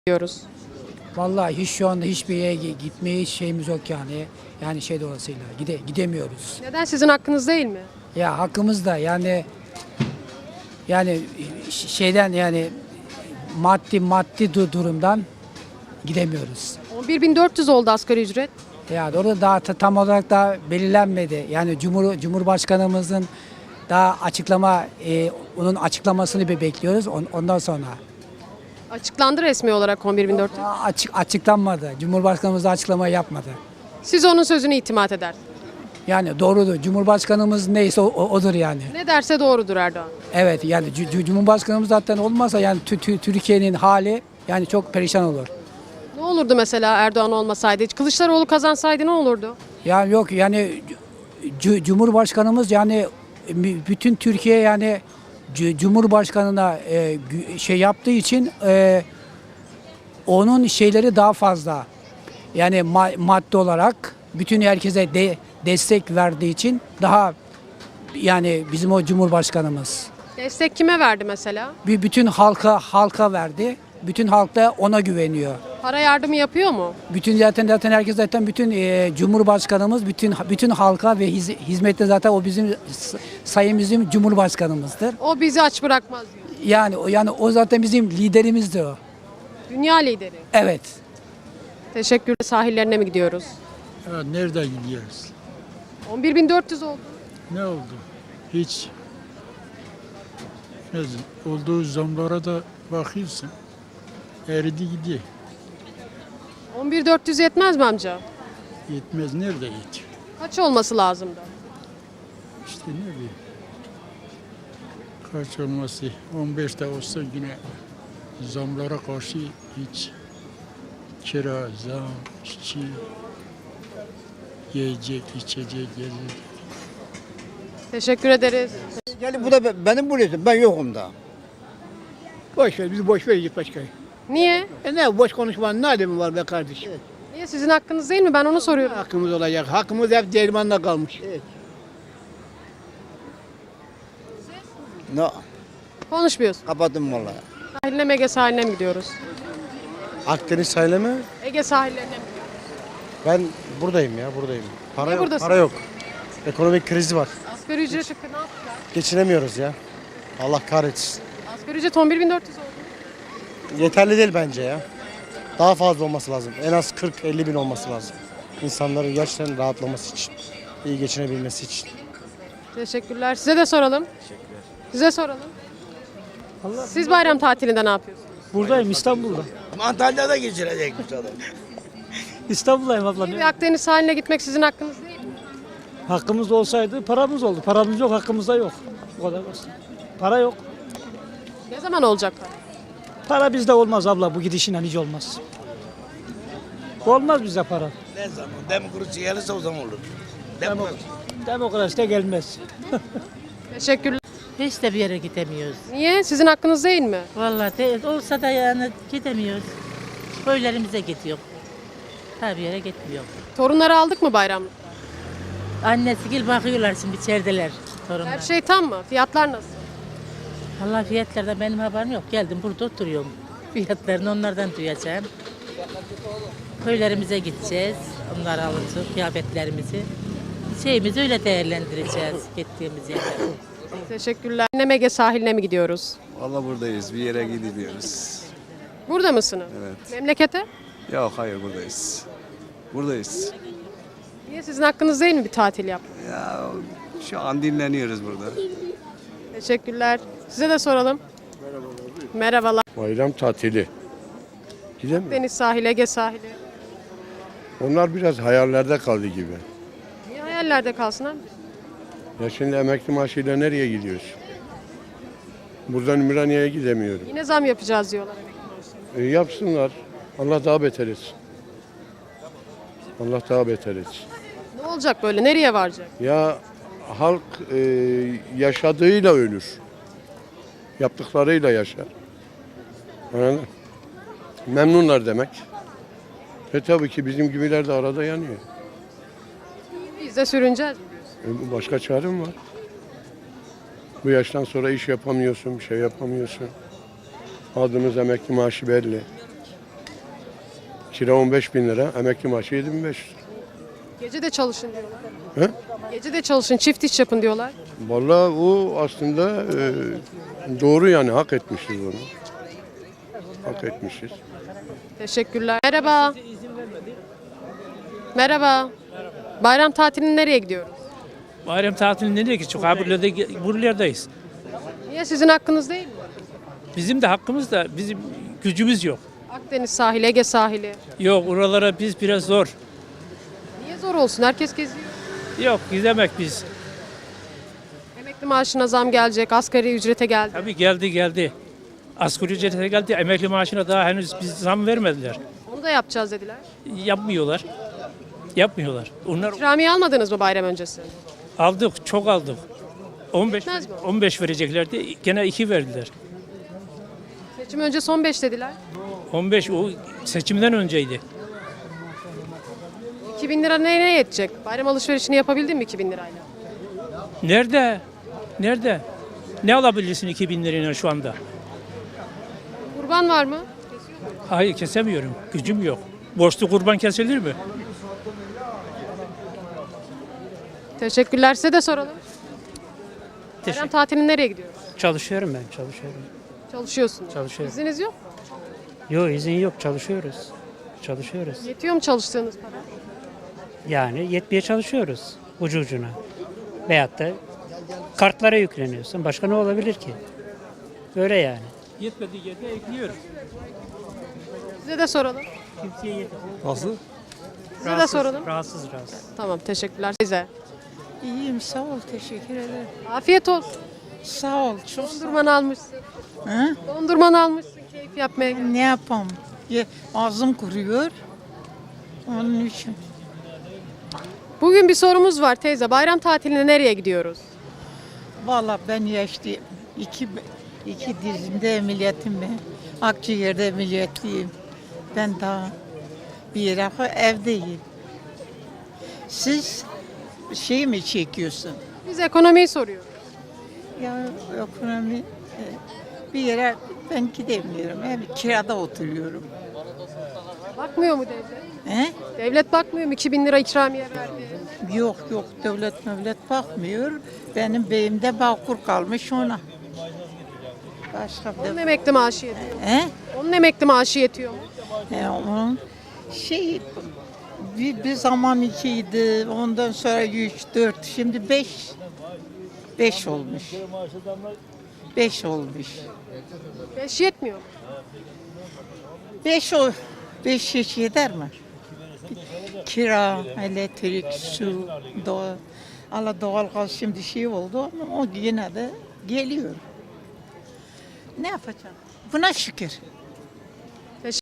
diyoruz. Vallahi hiç şu anda hiçbir yere gitmeye hiç şeyimiz yok yani. Yani şey dolayısıyla gidemiyoruz. Neden sizin hakkınız değil mi? Ya hakkımız da yani şeyden yani maddi durumdan gidemiyoruz. 11.400 oldu asgari ücret. Ya orada daha tam olarak da belirlenmedi. Yani Cumhurbaşkanımızın daha onun açıklamasını bekliyoruz ondan sonra. Açıklandı resmi olarak 11.400. Daha açıklanmadı. Cumhurbaşkanımız da açıklama yapmadı. Siz onun sözüne itimat edersiniz. Yani doğrudur. Cumhurbaşkanımız neyse odur yani. Ne derse doğrudur Erdoğan. Evet yani Cumhurbaşkanımız zaten olmazsa yani Türkiye'nin hali yani çok perişan olur. Ne olurdu mesela Erdoğan olmasaydı? Kılıçdaroğlu kazansaydı ne olurdu? Yani yok yani Cumhurbaşkanımız yani bütün Türkiye yani Cumhurbaşkanına şey yaptığı için onun şeyleri daha fazla. Yani maddi olarak bütün herkese destek verdiği için daha yani bizim o Cumhurbaşkanımız. Destek kime verdi mesela? Bütün halka verdi. Bütün halk da ona güveniyor. Para yardımı yapıyor mu? Bütün zaten herkes zaten bütün Cumhurbaşkanımız bütün halka ve hizmette zaten o sayın bizim Cumhurbaşkanımızdır. O bizi aç bırakmaz diyor. Yani o zaten bizim liderimizdir o. Dünya lideri. Evet. Teşekkür. Sahillerine mi gidiyoruz? Ya nerede gidiyoruz? 11.400 oldu. Ne oldu? Hiç. Olduğu zamlara da bakıyorsun. Eridi gidiyor. 11.400 yetmez mi amca? Yetmez. Nerede yetiyor? Kaç olması lazımdı? İşte ne bileyim. Kaç olması? 15'te olsa yine zamlara karşı hiç kira, zam, işçi, yiyecek, içecek, gelecek. Teşekkür ederiz. Yani bu da benim burası. Ben yokum da. Boş ver, bizi boş ver git başka. Niye? Ne boş konuşmanın ne alemi var be kardeşim? Niye sizin hakkınız değil mi? Ben onu soruyorum. Hakkımız olacak. Hakkımız hep Derman'da kalmış. No, Konuşmuyorsun. kapattım vallahi. Sahiline mi Ege sahiline mi gidiyoruz? Akdeniz sahile mi? Ege sahillerine mi? Ben buradayım ya buradayım. Para Niye yok, buradasın? para yok. Ekonomik krizi var. Asgari ücret ne yapacağız? Geçinemiyoruz ya. Allah kahretsin. Asgari ücret 11.400 oldu. Yeterli değil bence ya. Daha fazla olması lazım. En az 40-50 bin olması lazım. İnsanların gerçekten rahatlaması için. İyi geçinebilmesi için. Teşekkürler. Size de soralım. Size soralım. Siz bayram tatilinde ne yapıyorsunuz? Buradayım İstanbul'da. Antalya'da geçirecekmiş adam. İstanbul'dayım abla. Bir Akdeniz sahiline gitmek sizin hakkınız değil mi? Hakkımız olsaydı paramız oldu. Paramız yok, hakkımızda yok. Bu kadar basit. Para yok. Ne zaman olacak? Para bizde olmaz abla. Bu gidişinle hiç olmaz. Olmaz bizde para. Ne zaman demokrasi gelirse o zaman olur. Demokrasi de gelmez. Teşekkürler. Hiç de bir yere gidemiyoruz. Niye? Sizin hakkınız değil mi? Vallahi olsa da yani gidemiyoruz. Köylerimize gidiyor. Her bir yere gitmiyor. Torunları aldık mı bayramda? Annesi gel bakıyorlar şimdi içerideler torunlar. Her şey tam mı? Fiyatlar nasıl? Vallahi fiyatlardan benim haberim yok. Geldim burada oturuyorum. Fiyatlarını onlardan duyacağım. Köylerimize gideceğiz. Onları alacağız, kıyafetlerimizi. Şeyimizi öyle değerlendireceğiz gittiğimiz yerde. Teşekkürler. Yine Ege sahiline mi gidiyoruz? Vallahi buradayız. Bir yere gidemiyoruz. Burada mısınız? Evet. Memlekete? Yok hayır buradayız. Buradayız. Niye sizin hakkınız değil mi bir tatil yapmak? Ya şu an dinleniyoruz burada. Teşekkürler. Size de soralım. Merhabalar. Bayram tatili. Gidemiyor. Deniz sahili, Ege sahili. Onlar biraz hayallerde kaldı gibi. Niye hayallerde kalsın abi? Ya şimdi emekli maaşıyla nereye gidiyoruz? Buradan Ümraniye'ye gidemiyorum. Yine zam yapacağız diyorlar emekli maaşlarına. Yapsınlar. Allah daha beter etsin. Allah daha beter etsin. Ne olacak böyle? Nereye varacak? Ya halk yaşadığıyla ölür. Yaptıklarıyla yaşar. Anladın mı? Memnunlar demek. Tabii ki bizim gibiler de arada yanıyor. Biz de sürüneceğiz mi diyorsun? Başka çarem var. Bu yaştan sonra iş yapamıyorsun, bir şey yapamıyorsun. Aldığımız emekli maaşı belli. Kira 15 bin lira, emekli maaşı 7500. Gece de çalışın diyorlar. He? Gece de çalışın, çift iş yapın diyorlar. Vallahi o aslında doğru yani hak etmişiz onu. Hak etmişiz. Teşekkürler. Merhaba. Merhaba. Bayram tatilinde nereye gidiyoruz? Bayram tatilinde nereye gideceğiz? Buralardayız. Niye sizin hakkınız değil mi? Bizim de hakkımız da bizim gücümüz yok. Akdeniz sahili, Ege sahili. Yok oralara biz biraz zor. Niye zor olsun? Herkes geziyor. Yok gidemek biz. Emekli maaşına zam gelecek, asgari ücrete geldi. Tabii geldi. Asgari ücrete geldi. Emekli maaşına daha henüz biz zam vermediler. Onu da yapacağız dediler. Yapmıyorlar. Onlar İkramiye almadınız mı bayram öncesi? aldık, çok aldık. 15 Yetmez mi? 15 vereceklerdi. Gene 2 verdiler. Seçim önce son 5 dediler. 15 o seçimden önceydi. 2000 lira neye yetecek? Bayram alışverişini yapabildin mi 2000 lirayla? Nerede? Ne alabilirsin 2000 lirayla şu anda? Kurban var mı? Hayır kesemiyorum. Gücüm yok. Borçlu kurban kesilir mi? Teşekkürler. Size de soralım. Bayram tatilinde nereye gidiyoruz? Çalışıyorum ben, çalışıyorum. Çalışıyorsunuz. Çalışıyorum. İzniniz yok. Yok izin yok, çalışıyoruz. Yetiyor mu çalıştığınız para? Yani yetmeye çalışıyoruz ucu ucuna. Veyahut da kartlara yükleniyorsun. Başka ne olabilir ki? Böyle yani. Yetmediği yerde ekliyoruz. Size de soralım. Nasıl? Size de soralım. Rahatsız. Tamam, teşekkürler. Size. İyiyim sağ ol teşekkür ederim. Afiyet olsun. Sağ ol çok Dondurmanı almışsın. Hı? Dondurmanı almışsın keyif yapmaya. Ne yapalım? Ağzım kuruyor. Onun için. Bugün bir sorumuz var teyze. Bayram tatiline nereye gidiyoruz? Valla ben yaşlıyım. İki dizimde emeliyetim ben. Akciğerde emeliyatlıyım. Ben daha bir yere evdeyim. Siz şey mi çekiyorsun? Biz ekonomiyi soruyoruz. Ya ekonomi bir yere ben gidemiyorum. Hem kirada oturuyorum. Bakmıyor mu devlet? He? Devlet bakmıyor mu? 2000 lira ikramiye verdi. Yok devlet bakmıyor. Benim beyimde Bağkur kalmış ona. Başka Onun bir emekli maaşı yetiyor. He? Onun emekli maaşı yetiyor mu? Onun bir zaman 2'ydi. Ondan sonra 3, 4, şimdi 5 olmuş. 5 olmuş. 5 yetmiyor mu? 5 hiç yeter mi? Kira, elektrik, su, doğalgaz şimdi şey oldu ama o yine de geliyor. Ne yapacağım? Buna şükür.